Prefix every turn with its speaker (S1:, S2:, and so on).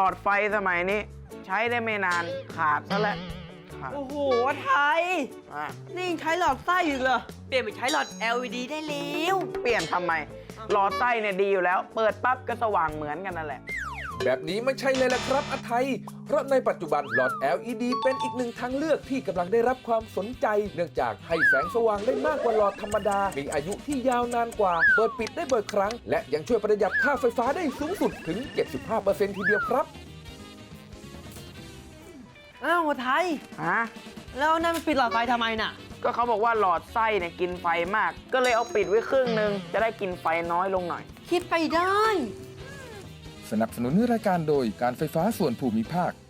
S1: อดไฟสมัยนี้ ใช้ได้ไม่นานขาดซะแล้วครับ
S2: โอ้โหไทย
S1: อ่ะ
S2: นี่ยังใช้หลอดไส้อยู่เหรอ เปลี่ยนไปใช้หลอด LED ได้แล้ว
S1: เปลี่ยนทำไม หลอดไส้เนี่ยดีอยู่แล้ว เปิดปั๊บก็สว่างเหมือนกันนั่นแหละ
S3: แบบนี้ไม่ใช่เลยล่ะครับอาไทย เพราะในปัจจุบันหลอด LED เป็นอีกหนึ่งทางเลือกที่กำลังได้รับความสนใจ เนื่องจากให้แสงสว่างได้มากกว่าหลอดธรรมดา มีอายุที่ยาวนานกว่า เปิดปิดได้บ่อยครั้ง และยังช่วยประหยัดค่าไฟฟ้าได้สูงสุดถึง 75% ทีเดียวครับ
S2: อ้าวไทย
S1: ฮะ
S2: แล้วนั่นมันปิดหลอดไฟทำไมน่ะ
S1: ก็เขาบอกว่าหลอดไส้เนี่ยกินไฟมาก ก็เลยเอาปิดไว้ครึ่งหนึง จะได้กินไฟน้อยลงหน่อย
S2: คิดไปได้
S3: สนับสนุนรายการโดยการไฟฟ้าส่วนภูมิภาค